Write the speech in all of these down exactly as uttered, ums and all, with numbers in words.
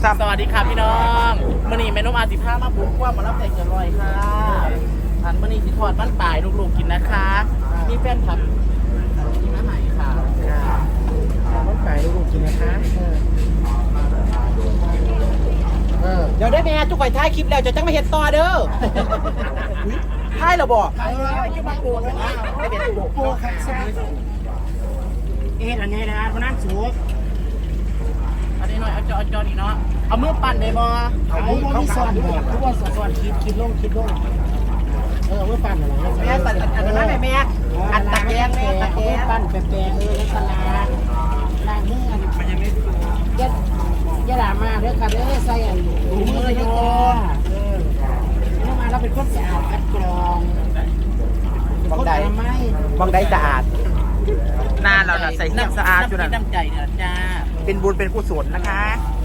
สวัสดีค่ะพี่น้องมื่อนี้แม่นมอาสิผ้ามาบุกว่ามารับแต่งจะลอยค่ะอันมื่อนี้สิทอดบ้านป่ายลูกๆกินนะคะมีแฟนคลับกินอาหารค่ะบ้านป่ายลูกๆกินนะคะเออเดี๋ยวได้แม่ทุกคนท้ายคลิปแล้วจะจังมาเห็นต่อเด้อท้ายเราบอกจะมาโกงนะไม่เป็นโกงโกงค่ะเอ๊ะอันนี้นะมันนั่งสูงอันนี้หน่อยเอาจอจอนี่เนาะเอามือปั่นได้บ่เอามือมีซ้อนบ่ทุกวันซ้อนคิดคิดลงคิดลงเออมือปั่นอะไรแม่ปั่นอันนั้นแม่แม่อันตะแกรงแม่ตะแกรงปั่นแปะๆเออแล้วสลาล้างมือมันยังไม่ยัดยัดดามาเด้อค่ะเด้อใส่อันถุงมือโยเออแล้วมาเราเป็นคนสะอาดคัดกรองบางใดบางใดสะอาดหน้าเราใส่เสื้อสะอาดอยู่นะน้ำใจเนี่ยจ้าเป็นบุญเป็นกุศลนะคะ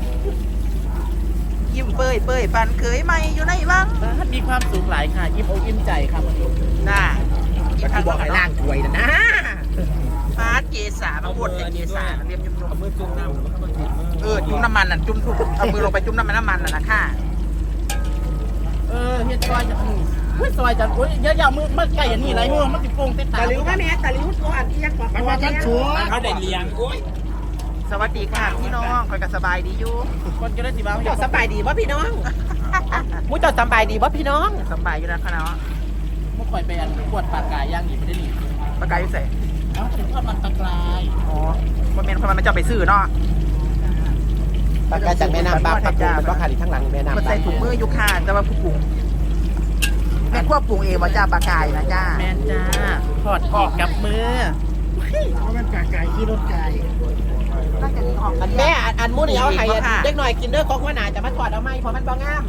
ยิ้มเป้ยเป้ยปันเคยไหมอยู่ในวังมีความสุขหลายค่ะยิ้มอกยิ้มใจครับน่ายิ้มทางบอกให้ล่างถวยนะนะฟาดเกษามาบดเกษาเรียบยุ่มๆเอามือจุ่มน้ำเออจุ่มน้ำมันน่ะจุ่มถูกเอามือลงไปจุ่มน้ำมันน้ำมันน่ะนะค่ะเออเฮ็ดซอยจะอุ้ยซอยจะอุ้ยเยอะๆมือมันไก่อย่างนี้ไรมือมันติดโป่งเต็มตาตะลิ้วแม่แม่ตะลิ้วตัวอันที่ยักษ์กว่ามันว่ากันชัวเขาได้เลี้ยงโอ้ยสวัสดีค่ะพี่น้องคอยกันสบายดีอยู่คนจะได้สิบ้าเจ้าสบายดีวะพี่น้องมุ้ยเจ้าสบายดีวะพี่น้องสบายอยู่นะคณะมุ้ยคอยไปอันปวดปากกายย่างหนีไม่ได้หนีปากกายอยู่ใส่เอ้าถึงทอดมันปากกายอ๋อมันเป็นคนมันจะไปซื้อเนาะปากกายจากแม่น้ำบางปากกายมันก็ขาดอีกทั้งหลังแม่น้ำมันใส่ถุงมือยุคาแต่ว่าผู้ปรุงแม่ควบปรุงเองว่าจ้าปากกายนะจ้าแม่จ้าทอดออกกับมือเพราะมันปากกายที่รถไก่แม่อันมูนี่เอาไข่เด็กหน่อยกินเด้อของหัวหน้าจะมาถอดเอาไหมเพราะมันบ่งาม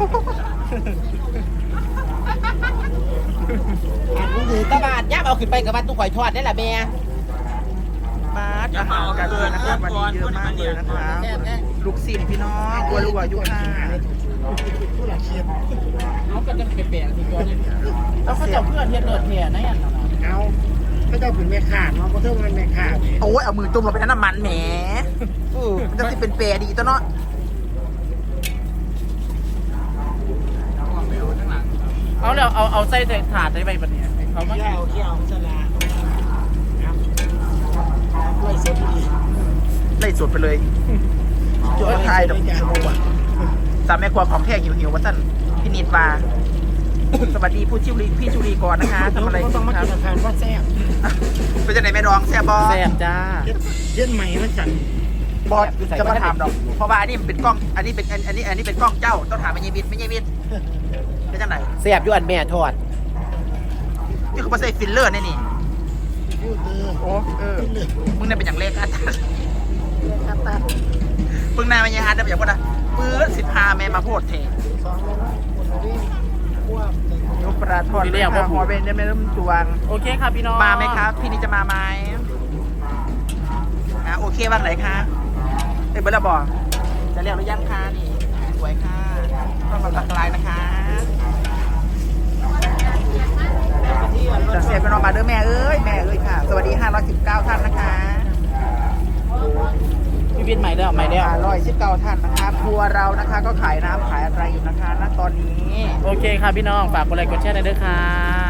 อันมูนี่ตะบาดย่าเอาขึ้นไปกับบ้านตู้ข่อยทอดได้แหละแม่บาดอาหารกันเลยนะครับวันนี้เยอะมากเลยนะคะลูกศิษย์พี่น้องวัวรัวยุค่าผู้หลักเชียร์เขาก็จะเปลี่ยนๆสิตัวนี้แล้วเขาจะเพื่อนเทียนเลือดเทียนนั่นเอาเขาจะเป็นแม่ขาดเนาะเขาเท่ามันแม่ขาดโอ้ยเอามือจุ่มลงไปในน้ำมันแหมอู้มันจะเป็นเปรดีตัวเนาะเอาแล้วเอาเอาใส่ถาดใส่ใบแบบนี้เขาไม่เกี่ยวเกี่ยวสลาไล่สดดีไล่สดไปเลยจุดไทยดอกสามแม่ครัวของแท้หิวหิวว่าสั้นพี่นิดว่าสวัสดีผู้ชิวรีพี่ชูรีก่อนนะคะทำอะไรต้องมากินอาหารว่าแซ่บเป็นจะไหนแม่ดองแซ่บบอแซ่บจ้าเย็นใหม่มันจังบอสจะมาถามดอกเพราะว่าอันนี้เป็นกล้องอันนี้เป็นอันนี้อันนี้เป็นกล้องเจ้าต้องถามไม่ยีบิดไม่ยีบิดเป็นจังไหนแซ่บอยู่อันแม่ทอดนี่คือมาใส่ฟิลเลอร์นี่นี่โอ้เออมึงเนี่ยเป็นอย่างเล็กอ่ะมึงนายมันยังฮาร์ดแบบอย่างว่านะปื้นสิบห้าแม่มาโพดเทยกปลาทอดเรียกว่าหัวเป็นได้ไม่เริ่มจวงโอเคครับพี่น้องมาไหมครับพี่นี่จะมาไหมอ่ะโอเคบ้างไหนคะเอ้ยเบอร์ละบอกจะเรียกหรือยังคะนี่สวยค่ะต้องมาตักลายนะคะจะเสียเป็นออกมาเด้อแม่เอ้ยแม่เอ้ยค่ะสวัสดีห้าร้อยสิบเก้าท่านนะคะพี่บินใหม่แล้วใหม่แล้วห้าร้อยสิบเก้าท่านนะคะครัวเรานะคะก็ขายน้ำขายอะไรอยู่นะคะณตอนนี้โอเคค่ะพี่น้องฝากกดไลค์กดแชร์หน่อยด้วยค่ะ